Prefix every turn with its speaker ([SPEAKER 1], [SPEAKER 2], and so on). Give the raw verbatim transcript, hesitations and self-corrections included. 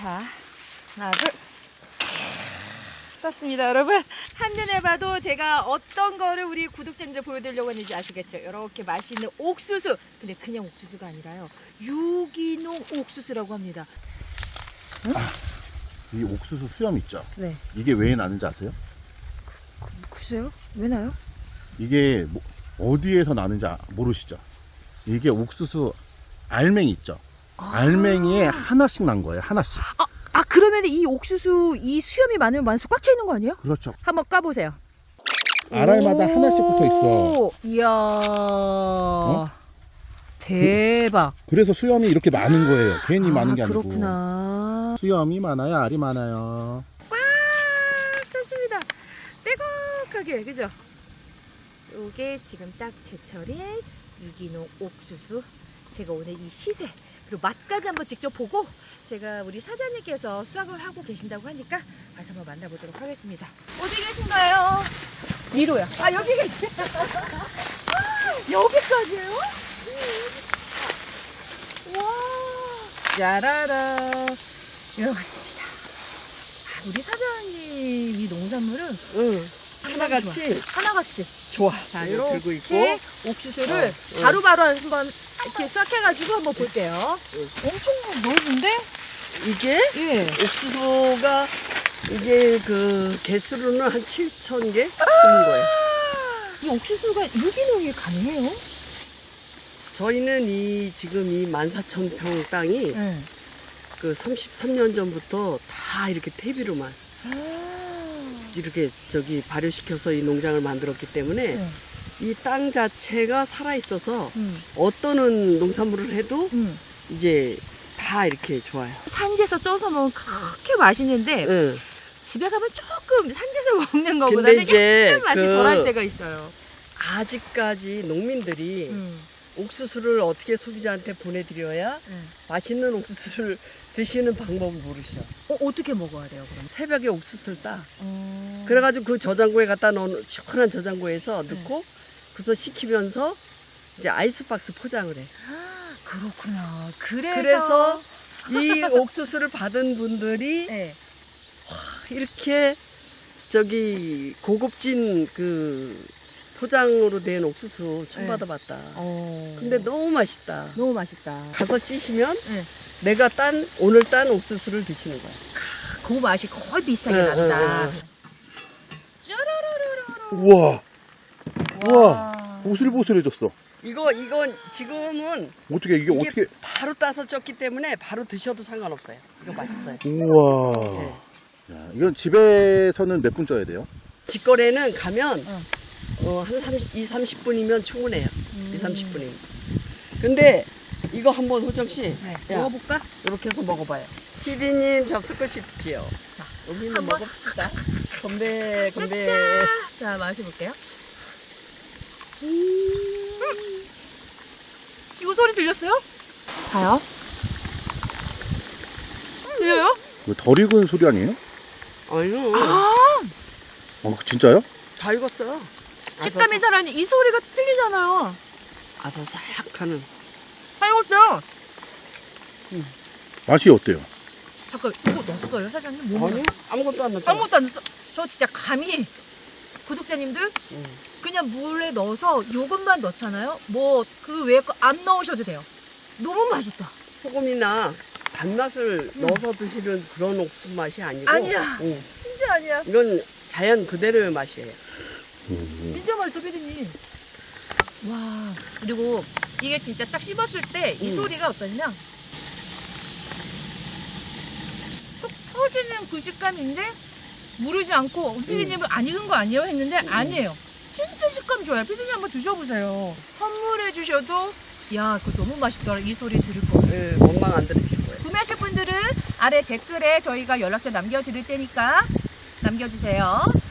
[SPEAKER 1] 자, 하나, 둘. 떴습니다, 여러분. 한눈에 봐도 제가 어떤 거를 우리 구독자님들 보여드리려고 했는지 아시겠죠? 이렇게 맛있는 옥수수. 근데 그냥 옥수수가 아니라요. 유기농 옥수수라고 합니다. 응?
[SPEAKER 2] 아, 이 옥수수 수염 있죠?
[SPEAKER 1] 네.
[SPEAKER 2] 이게 왜 나는지 아세요?
[SPEAKER 1] 그, 글쎄요? 왜 나요?
[SPEAKER 2] 이게 뭐, 어디에서 나는지 아- 모르시죠? 이게 옥수수 알맹이 있죠?
[SPEAKER 1] 아.
[SPEAKER 2] 알맹이에 하나씩 난 거예요, 하나씩.
[SPEAKER 1] 아, 아 그러면 이 옥수수 이 수염이 많으면 많을수록 꽉 차 있는 거 아니에요?
[SPEAKER 2] 그렇죠.
[SPEAKER 1] 한번 까보세요.
[SPEAKER 2] 알알마다 하나씩 붙어 있어.
[SPEAKER 1] 이야. 어? 대박.
[SPEAKER 2] 그래서 수염이 이렇게 많은 거예요. 괜히 많은
[SPEAKER 1] 아,
[SPEAKER 2] 게 아니고.
[SPEAKER 1] 그렇구나.
[SPEAKER 2] 수염이 많아요, 알이 많아요.
[SPEAKER 1] 와, 좋습니다. 빼곡하게, 그죠? 요게 지금 딱 제철인 유기농 옥수수. 제가 오늘 이 시세 그리고 맛까지 한번 직접 보고 제가 우리 사장님께서 수확을 하고 계신다고 하니까 가서 한번 만나보도록 하겠습니다. 어디 계신가요? 위로요. 아, 여기 계세요. 여기까지예요? 와, 짜라라. 이러고 있습니다. 아, 우리 사장님 이 농산물은
[SPEAKER 3] 응.
[SPEAKER 1] 상당히
[SPEAKER 3] 하나같이
[SPEAKER 1] 좋아. 하나같이.
[SPEAKER 3] 좋아.
[SPEAKER 1] 자,
[SPEAKER 3] 이거 들고
[SPEAKER 1] 이렇게
[SPEAKER 3] 있고.
[SPEAKER 1] 옥수수를
[SPEAKER 3] 어, 어.
[SPEAKER 1] 바로바로 한번 이렇게 싹해가지고 한번 볼게요. 엄청 넓은데?
[SPEAKER 3] 이게
[SPEAKER 1] 예.
[SPEAKER 3] 옥수수가 이게 그 개수로는 한 칠천 개 심은 거예요.
[SPEAKER 1] 이 옥수수가 유기농이 가능해요?
[SPEAKER 3] 저희는 이 지금 이 만 사천 평 땅이
[SPEAKER 1] 네.
[SPEAKER 3] 그 삼십삼 년 전부터 다 이렇게 퇴비로만 이렇게 저기 발효시켜서 이 농장을 만들었기 때문에
[SPEAKER 1] 네.
[SPEAKER 3] 이 땅 자체가 살아 있어서
[SPEAKER 1] 음.
[SPEAKER 3] 어떤 농산물을 해도
[SPEAKER 1] 음.
[SPEAKER 3] 이제 다 이렇게 좋아요.
[SPEAKER 1] 산지에서 쪄서 먹으면 그렇게 맛있는데
[SPEAKER 3] 응.
[SPEAKER 1] 집에 가면 조금 산지에서 먹는 거보다는
[SPEAKER 3] 근데 이제
[SPEAKER 1] 약간 맛이
[SPEAKER 3] 그
[SPEAKER 1] 덜할 때가 있어요.
[SPEAKER 3] 아직까지 농민들이
[SPEAKER 1] 음.
[SPEAKER 3] 옥수수를 어떻게 소비자한테 보내드려야
[SPEAKER 1] 음.
[SPEAKER 3] 맛있는 옥수수를 드시는 방법을 모르셔.
[SPEAKER 1] 어, 어떻게 먹어야 돼요, 그럼?
[SPEAKER 3] 새벽에 옥수수를 따.
[SPEAKER 1] 음.
[SPEAKER 3] 그래가지고 그 저장고에 갖다 넣은 시원한 저장고에서 넣고 그래서 식히면서 이제 아이스박스 포장을 해.
[SPEAKER 1] 아, 그렇구나. 그래서,
[SPEAKER 3] 그래서 이 옥수수를 받은 분들이
[SPEAKER 1] 네.
[SPEAKER 3] 이렇게 저기 고급진 그 포장으로 된 옥수수 처음
[SPEAKER 1] 네.
[SPEAKER 3] 받아봤다.
[SPEAKER 1] 어.
[SPEAKER 3] 근데 너무 맛있다.
[SPEAKER 1] 너무 맛있다.
[SPEAKER 3] 가서 찌시면
[SPEAKER 1] 네.
[SPEAKER 3] 내가 딴 오늘 딴 옥수수를 드시는 거야.
[SPEAKER 1] 그 맛이 거의 비슷하게
[SPEAKER 3] 응,
[SPEAKER 1] 난다.
[SPEAKER 3] 응, 응.
[SPEAKER 1] 쭈루루루루루.
[SPEAKER 2] 우와, 우와,
[SPEAKER 1] 와.
[SPEAKER 2] 보슬보슬해졌어.
[SPEAKER 3] 이거 이건 지금은
[SPEAKER 2] 어떻게, 이게,
[SPEAKER 3] 이게
[SPEAKER 2] 어떻게.
[SPEAKER 3] 바로 따서 쪘기 때문에 바로 드셔도 상관없어요. 이거 맛있어요.
[SPEAKER 2] 우와.
[SPEAKER 3] 네.
[SPEAKER 2] 야, 이건 집에서는 몇 분 쪄야 돼요?
[SPEAKER 3] 직거래는 가면
[SPEAKER 1] 응.
[SPEAKER 3] 어, 한 삼십, 이, 삼십 분이면 충분해요.
[SPEAKER 1] 음.
[SPEAKER 3] 이, 삼십 분이면. 근데 이거 한번 호정 씨,
[SPEAKER 1] 네.
[SPEAKER 3] 야,
[SPEAKER 1] 먹어볼까?
[SPEAKER 3] 이렇게 해서 먹어봐요. 피디님 접수고 싶지요.
[SPEAKER 1] 자,
[SPEAKER 3] 여기는
[SPEAKER 1] 한번.
[SPEAKER 3] 먹읍시다. 건배, 건배.
[SPEAKER 1] 짠! 자, 마셔볼게요. 음. 이거 소리 들렸어요? 자요? 들려요?
[SPEAKER 2] 이거 덜 익은 소리 아니에요?
[SPEAKER 3] 아유,
[SPEAKER 1] 아,
[SPEAKER 2] 어, 진짜요?
[SPEAKER 3] 다 익었어요.
[SPEAKER 1] 식감이 살아니 이 소리가 틀리잖아요.
[SPEAKER 3] 아사삭하는.
[SPEAKER 1] 다 익었어요.
[SPEAKER 2] 맛이 어때요?
[SPEAKER 1] 잠깐, 이거 넣었어요, 사장님? 뭐
[SPEAKER 3] 아니, 아무것도 안 넣었죠.
[SPEAKER 1] 아무것도 안 넣었어. 저 진짜 감히 구독자님들
[SPEAKER 3] 응.
[SPEAKER 1] 그냥 물에 넣어서 요것만 넣잖아요. 뭐 그 외에 거 안 넣으셔도 돼요. 너무 맛있다.
[SPEAKER 3] 소금이나 단맛을
[SPEAKER 1] 음.
[SPEAKER 3] 넣어서 드시는 그런 옥수수 맛이 아니고.
[SPEAKER 1] 아니야.
[SPEAKER 3] 응.
[SPEAKER 1] 진짜 아니야.
[SPEAKER 3] 이건 자연 그대로의 맛이에요.
[SPEAKER 2] 음.
[SPEAKER 1] 진짜 맛있어, 피디님. 와. 그리고 이게 진짜 딱 씹었을 때 이
[SPEAKER 3] 음.
[SPEAKER 1] 소리가 어떠냐? 속 터지는 그 식감인데 무르지 않고 피디님은 안 익은 거 아니에요? 했는데 아니에요. 진짜 식감 좋아요. 피디님 한번 드셔보세요. 선물해 주셔도 야, 그거 너무 맛있더라. 이 소리 들을 거예요.
[SPEAKER 3] 예, 원망 안 들으실 거예요.
[SPEAKER 1] 구매하실 분들은 아래 댓글에 저희가 연락처 남겨드릴 테니까 남겨주세요.